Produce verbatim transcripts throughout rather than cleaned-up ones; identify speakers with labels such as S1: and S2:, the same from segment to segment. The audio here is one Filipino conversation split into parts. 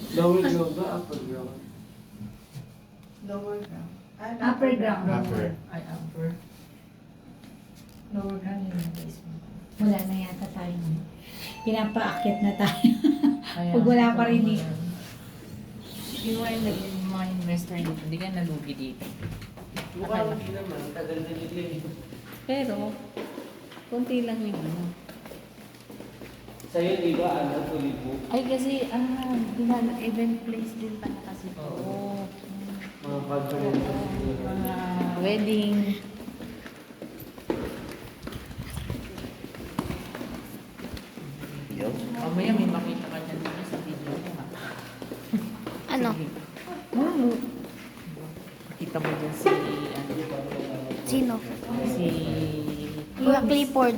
S1: Lower ground ba? Upper ground?
S2: Lower ground. Ay,
S3: Upper ground.
S4: Upper.
S2: Ay, upper. Lower ground yung basement.
S3: Wala na yata tayo. Pinapaakyat na tayo.
S2: Ayan.
S3: Pag wala pa rin dito.
S2: Hindi mo yung naging mga investor dito. Hindi ka nalugi dito.
S1: Mukha lang din naman. Tagal na nila eh.
S2: Pero, konti lang yung ano.
S1: Sa'yo, di ba, ano, fully book?
S2: Ay, kasi, ano, ginala, event place din pala kasi ito.
S1: Oo. Mga conferences.
S2: Mga wedding.
S4: Yo.
S2: Mamaya may makita ka dyan dito sa video ko, ha?
S5: Ano?
S2: Sige. Hmm. Makita mo dyan si, ano,
S5: Sino?
S2: si...
S5: Kuya Clifford.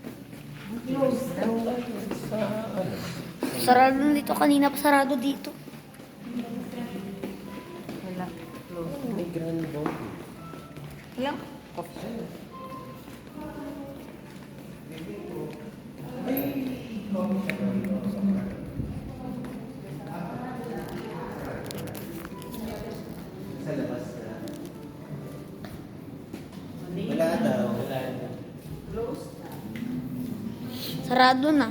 S5: Sarado na dito. Kanina pa sarado dito.
S2: Wala. Close.
S1: May grand ball.
S2: Wala.
S1: Sa labas na.
S4: Wala daw.
S1: Wala na.
S5: Sarado na.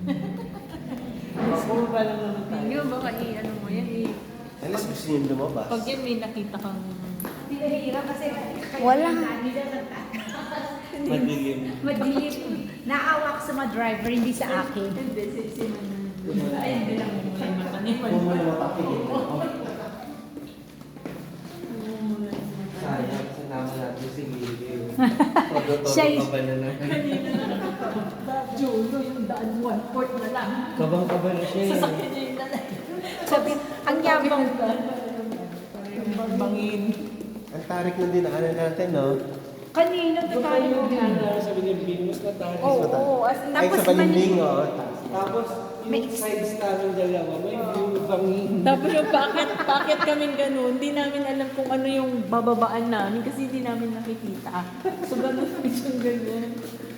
S1: Puro pa lang naman tayo.
S2: Hindi mo baka i-ano mo yan eh.
S4: Alas gusto niyo lumabas.
S2: Pag yan may nakita kang...
S3: Pinahirap kasi
S5: Wala.
S1: Madilim.
S3: madilim. Naawa ko sa mga driver, hindi sa akin.
S2: Hindi, si si Ay, hindi lang mo yung mataniman.
S4: Kung mo naman papigil.
S1: Sayang, sinama natin si Lili.
S3: Siya
S1: Todo-todo
S3: is-
S1: ka ba na lang?
S2: Jolo, yung daan one-fourth na lang.
S1: Kabang-kaba na siya eh.
S2: Sasakyan niya yung dala.
S3: Sabi, ang yabang ko.
S2: Yung bangin.
S4: Ang tarik na dinaanan natin, no?
S3: Kanina pa tayo.
S1: Sabi niya, Venus na tayo.
S3: Oo, oo. As,
S4: Ay,
S3: tapos
S4: sa balimbing,
S3: mani-
S4: oh.
S1: Tapos,
S3: May-
S1: yung sides namin dalawa, may view bangin.
S2: Tapos yung bakit, bakit kami ganun, hindi namin alam kung ano yung bababaan namin kasi hindi namin nakikita. So ganun yung ganyan.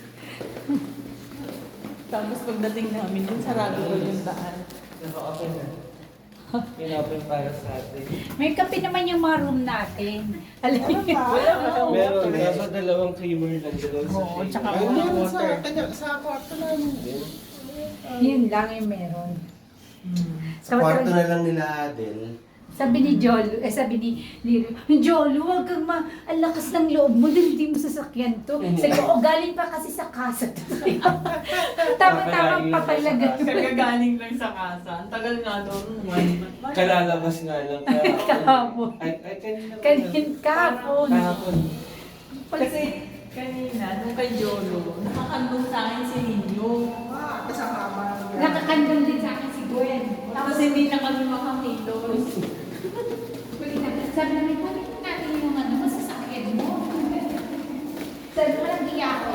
S2: Tapos pagdating namin, dun sarado ko yung daan.
S1: Naka-open na. Pinopen para sa atin.
S3: May kape naman yung mga room natin. Alam niyo?
S1: Meron, nasa dalawang creamer lang doon sa
S2: Oo,
S1: shake.
S2: tsaka
S4: Ay,
S2: walang
S4: meron sa,
S2: water.
S4: kanya, sa kwarto namin din.
S3: Yun lang yung meron.
S2: Hmm.
S4: Sa kwarto na lang nila Adel.
S3: Sabi ni Jolo, eh sabi ni Liro, Jolo, huwag kang ma, ang lakas ng loob mo, dahil hindi mo sasakyan to. Sabi ko, oh, galing pa kasi sa kasa to. Tama-tama papalagan.
S2: Kagagaling lang sa kasa. Ang tagal nga doon. One month.
S1: Kalalabas nga lang.
S3: Kahapon.
S1: Ay, ay, kanina. ba
S3: Kanin
S1: yan?
S3: kahapon.
S1: Kahapon.
S2: Kasi kanina, nung kay Jolo, nakakandong sa akin si Ninyo.
S3: Nakakandong din sa akin si Gwen.
S2: Tapos hindi na kami makakilos.
S3: Huli na, sabi namin, kunin natin yung ano, masasakyan mo. Sabi ko, walang iya ko.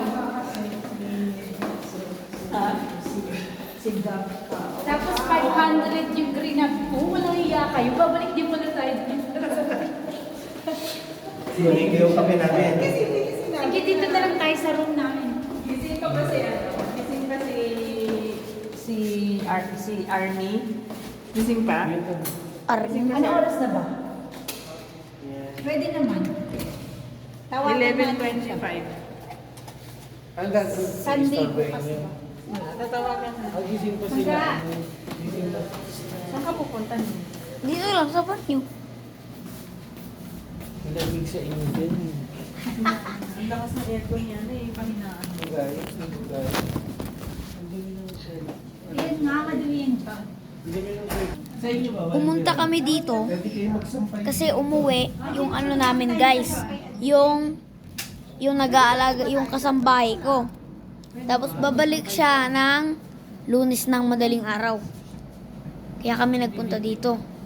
S2: Ha?
S3: Tapos five hundred yung green up ko, walang iya kayo. Babalik din mo na tayo dito.
S4: Sinig yung kape namin.
S3: Sige, dito na lang tayo sa room namin.
S2: Gising pa ba si ano? Gising pa si... si... Ar si Army? Gising pa?
S5: Ar
S3: Ano oras na ba? Pwede naman. Tawagan
S2: eleven
S3: natin siya.
S2: twenty-five.
S1: Ang gagawin.
S3: Sunday
S1: istorbohin
S3: bukas
S1: niyo.
S3: ba?
S2: Wala, tatawagan na.
S1: Ang gising pa sila.
S3: Hangga.
S1: Gising pa.
S2: Saan ka pupunta niyo?
S5: Dito lang sa banyo.
S1: Ang lamig sa inyo din.
S2: Ang lakas ng aircon niya na eh, pahinaan.
S1: Guys, guys. Ang dami ng shell.
S3: Yan nga, madumihan pa.
S1: Ang dami ng shell. Sa inyo ba?
S5: Pumunta kami dito
S4: Pwede kayo magsampay.
S5: kasi umuwi yung ano namin guys. Yung yung nag-aalaga, yung kasambahay ko. Tapos babalik siya ng Lunes ng madaling araw. Kaya kami nagpunta dito.